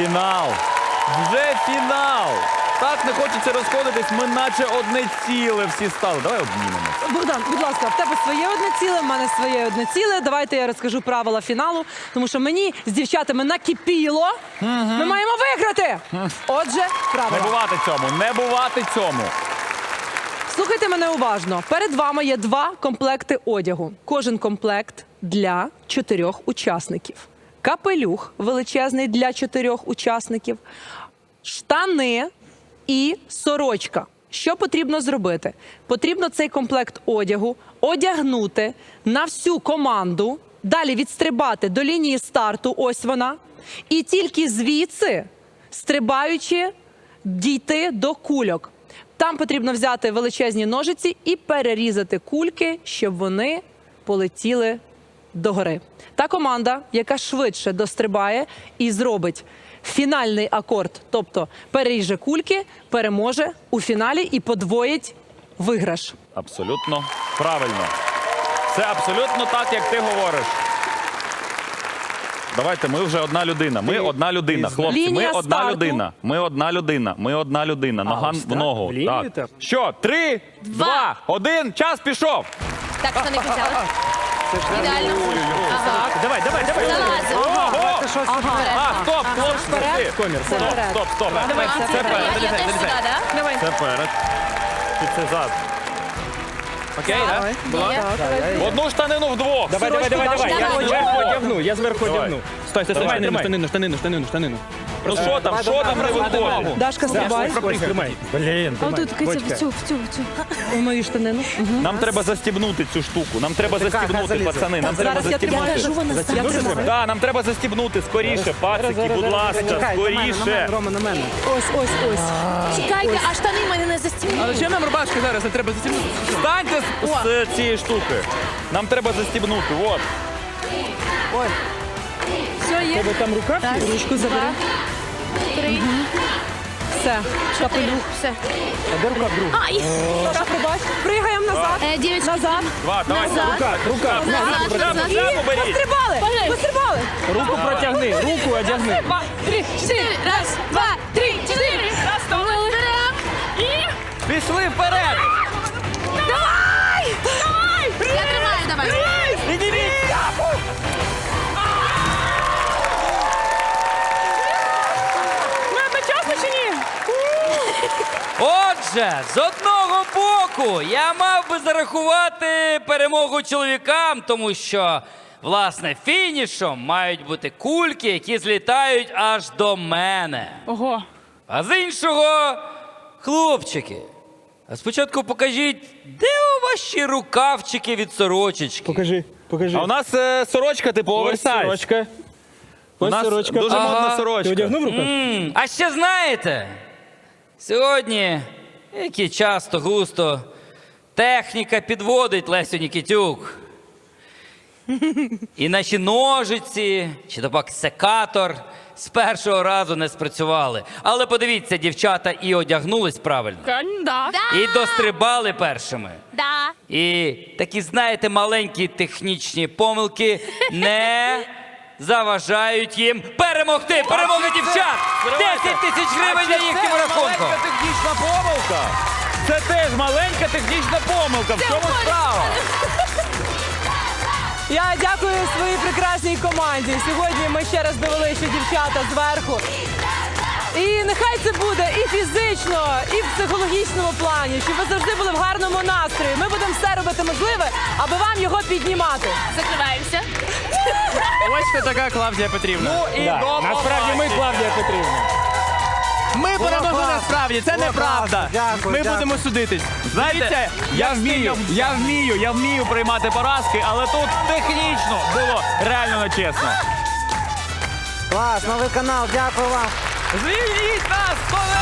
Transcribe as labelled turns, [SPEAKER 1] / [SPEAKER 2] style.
[SPEAKER 1] фінал. Вже фінал. Так не хочеться розходитись, ми наче одне ціле всі стали. Давай обнімемося.
[SPEAKER 2] Богдан, будь ласка, в тебе своє одне ціле, в мене своє одне ціле. Давайте я розкажу правила фіналу, тому що мені з дівчатами накипіло. Ми маємо виграти. Отже, правила.
[SPEAKER 1] Не бувати цьому, не бувати цьому.
[SPEAKER 2] Слухайте мене уважно. Перед вами є 2 комплекти одягу. Кожен комплект для 4 учасників. Капелюх величезний для 4 учасників. Штани і сорочка. Що потрібно зробити? Потрібно цей комплект одягу одягнути на всю команду, далі відстрибати до лінії старту, ось вона, і тільки звідси, стрибаючи, дійти до кульок. Там потрібно взяти величезні ножиці і перерізати кульки, щоб вони полетіли догори. Та команда, яка швидше дострибає і зробить фінальний акорд, тобто переріже кульки, переможе у фіналі і подвоїть виграш.
[SPEAKER 1] Абсолютно правильно. Це абсолютно так, як ти говориш. Давайте, ми вже одна людина. Ми одна людина, хлопці. Ми
[SPEAKER 2] Лінія
[SPEAKER 1] одна
[SPEAKER 2] старту.
[SPEAKER 1] людина. Ми одна людина. Ми одна людина. Нога в ногу.
[SPEAKER 3] В лінію так?
[SPEAKER 1] Що? 3, 2, 1, час пішов.
[SPEAKER 4] Так, що не почали. Ідеально. Ага.
[SPEAKER 3] Давай.
[SPEAKER 4] Залазимо.
[SPEAKER 1] Ого!
[SPEAKER 4] Ага.
[SPEAKER 1] Стоп, хлопці.
[SPEAKER 3] Комір,
[SPEAKER 1] Стоп.
[SPEAKER 2] Давай,
[SPEAKER 1] Це
[SPEAKER 4] Я
[SPEAKER 1] перед.
[SPEAKER 4] теж сюди, так?
[SPEAKER 2] Давай.
[SPEAKER 1] Це перед. І це зад. Окей, так?
[SPEAKER 4] Є.
[SPEAKER 1] Одну штанину вдвох.
[SPEAKER 3] Давай. Я зверху одягну. Стой, штанину.
[SPEAKER 1] Ну що там не виходить?
[SPEAKER 2] Дашка, стрибай.
[SPEAKER 3] Тримай. Блін,
[SPEAKER 4] А тут в цю.
[SPEAKER 2] У мою штанину.
[SPEAKER 1] Нам треба застібнути цю штуку. Нам треба застібнути, пацани. Нам треба
[SPEAKER 2] Зараз я
[SPEAKER 1] застібнути.
[SPEAKER 2] кажу, вона тримаю.
[SPEAKER 1] Так, нам треба застібнути. Скоріше, пацики, будь ласка, скоріше.
[SPEAKER 3] Рома, на мене.
[SPEAKER 2] Ось.
[SPEAKER 4] Чекайте, а штани в мене не застібнули.
[SPEAKER 5] Але чим нам рубашки зараз? Не треба застібнути.
[SPEAKER 1] Встаньте з цієї штуки. Нам треба застібнути. От.
[SPEAKER 4] Все, є.
[SPEAKER 3] Тебе там рука?
[SPEAKER 2] Ручку забери.
[SPEAKER 4] 3,
[SPEAKER 2] Все. Капелюх.
[SPEAKER 4] все.
[SPEAKER 3] А де рука в другу?
[SPEAKER 4] Ай!
[SPEAKER 2] Саша, пробач. Пригаємо назад.
[SPEAKER 4] Дівчатки.
[SPEAKER 2] Назад.
[SPEAKER 1] Два, давай.
[SPEAKER 3] Рука.
[SPEAKER 4] Назад.
[SPEAKER 1] Прямо беріть.
[SPEAKER 2] Пострибали.
[SPEAKER 3] Руку протягни, руку одягни.
[SPEAKER 4] 3, 4. Раз, 2, 3, 4.
[SPEAKER 1] Пішли вперед.
[SPEAKER 4] Давай! Я тримаю, давай.
[SPEAKER 1] Підніміть.
[SPEAKER 6] Отже, з одного боку, я мав би зарахувати перемогу чоловікам, тому що, власне, фінішом мають бути кульки, які злітають аж до мене.
[SPEAKER 5] Ого.
[SPEAKER 6] А з іншого, хлопчики, а спочатку покажіть, де у ваші рукавчики від сорочечки?
[SPEAKER 3] Покажи.
[SPEAKER 1] А у нас сорочка типу
[SPEAKER 3] Ось
[SPEAKER 1] оверсайз.
[SPEAKER 3] сорочка.
[SPEAKER 1] У
[SPEAKER 3] Ось
[SPEAKER 1] нас
[SPEAKER 3] сорочка.
[SPEAKER 1] дуже модна
[SPEAKER 3] Ти
[SPEAKER 1] сорочка.
[SPEAKER 3] одягнув руку?
[SPEAKER 6] А ще знаєте, сьогодні, як і часто густо, техніка підводить Лесю Нікітюк. І наші ножиці, чи то пак секатор з першого разу не спрацювали. Але подивіться, дівчата і одягнулись правильно,
[SPEAKER 5] Да.
[SPEAKER 6] і дострибали першими.
[SPEAKER 4] Да.
[SPEAKER 6] І такі, знаєте, маленькі технічні помилки не заважають їм перемогти. Перемога дівчат! 10 тисяч гривень на їхньому рахунку.
[SPEAKER 1] Маленька технічна помилка. Це теж маленька технічна помилка. В чому справа?
[SPEAKER 2] Я дякую своїй прекрасній команді. Сьогодні ми ще раз довели, що дівчата зверху. І нехай це буде і фізично, і в психологічному плані, щоб ви завжди були в гарному настрої. Ми будемо все робити можливе, аби вам його піднімати.
[SPEAKER 4] Закриваємося.
[SPEAKER 5] Ось хто така Клавдія Петрівна.
[SPEAKER 1] І
[SPEAKER 3] Да.
[SPEAKER 1] до
[SPEAKER 3] Насправді ми Клавдія Петрівна.
[SPEAKER 5] Ми перемогли насправді, це неправда. Ми будемо судитись.
[SPEAKER 1] Знаєте, я вмію приймати поразки, але тут технічно було реально нечесно.
[SPEAKER 7] Клас, новий канал, дякую вам.
[SPEAKER 1] Звільніть нас, колеги!